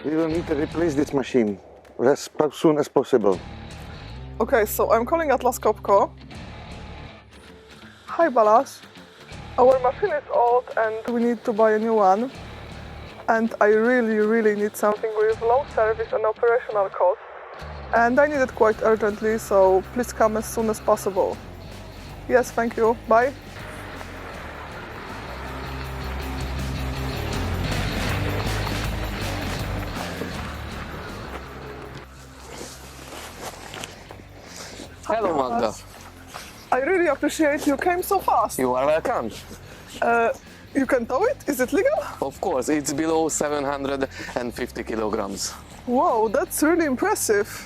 We will need to replace this machine as soon as possible. Okay, so I'm calling Atlas Copco. Hi Balázs. Our machine is old and we need to buy a new one. And I really need something with low service and operational costs. And I need it quite urgently, so please come as soon as possible. Yes, thank you. Bye. Hello, Magda. I really appreciate you came so fast. You are welcome. You can tow it? Is it legal? Of course, it's below 750 kilograms. Wow, that's really impressive.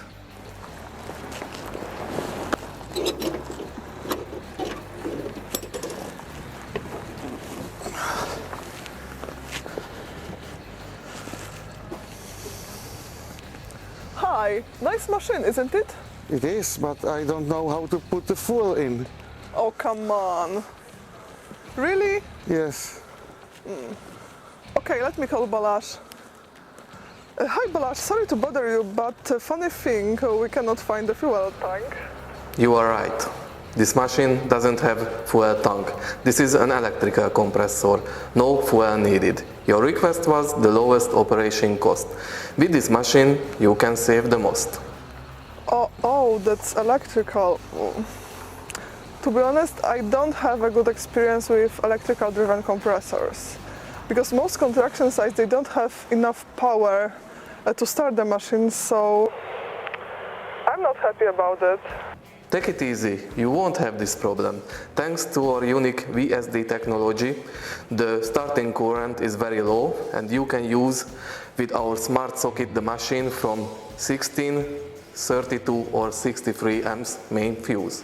Hi, nice machine, isn't it? It is, but I don't know how to put the fuel in. Oh, come on. Really? Yes. Okay, let me call Balázs. Hi Balázs, sorry to bother you, but funny thing, we cannot find the fuel tank. You are right. This machine doesn't have fuel tank. This is an electrical compressor. No fuel needed. Your request was the lowest operation cost. With this machine, you can save the most. Oh, that's electrical. To be honest, I don't have a good experience with electrical driven compressors. Because most construction sites, they don't have enough power to start the machine, so I'm not happy about it. Take it easy, you won't have this problem. Thanks to our unique VSD technology, the starting current is very low and you can use with our smart socket the machine from 16, 32 or 63 amps main fuse.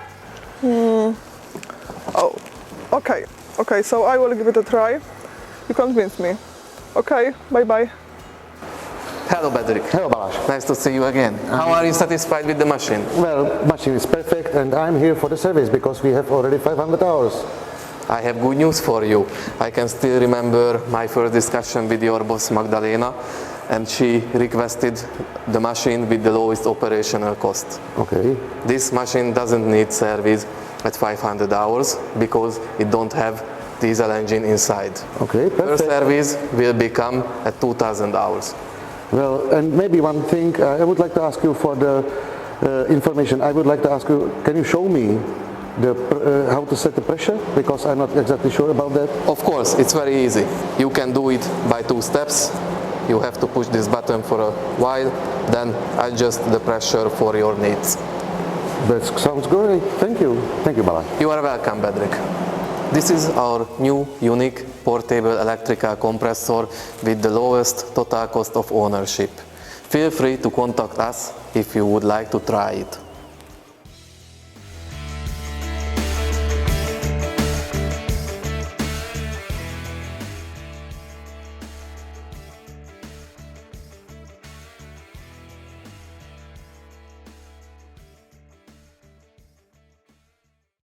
Oh, okay, so I will give it a try. You convinced me. Okay, bye-bye. Hello, Bedřich. Hello, Balázs. Nice to see you again. How are you satisfied with the machine? Well, machine is perfect and I'm here for the service because we have already 500 hours. I have good news for you. I can still remember my first discussion with your boss Magdalena, and she requested the machine with the lowest operational cost. Okay. This machine doesn't need service at 500 hours because it don't have diesel engine inside. Okay, First perfect. service will become at 2000 hours. Well, and maybe one thing, I would like to ask you for the information. I would like to ask you, can you show me how to set the pressure? Because I'm not exactly sure about that. Of course, it's very easy. You can do it by 2 steps. You have to push this button for a while, then adjust the pressure for your needs. That sounds great. Thank you. Thank you, Balázs. You are welcome, Bedřich. This is our new unique portable electrical compressor with the lowest total cost of ownership. Feel free to contact us if you would like to try it.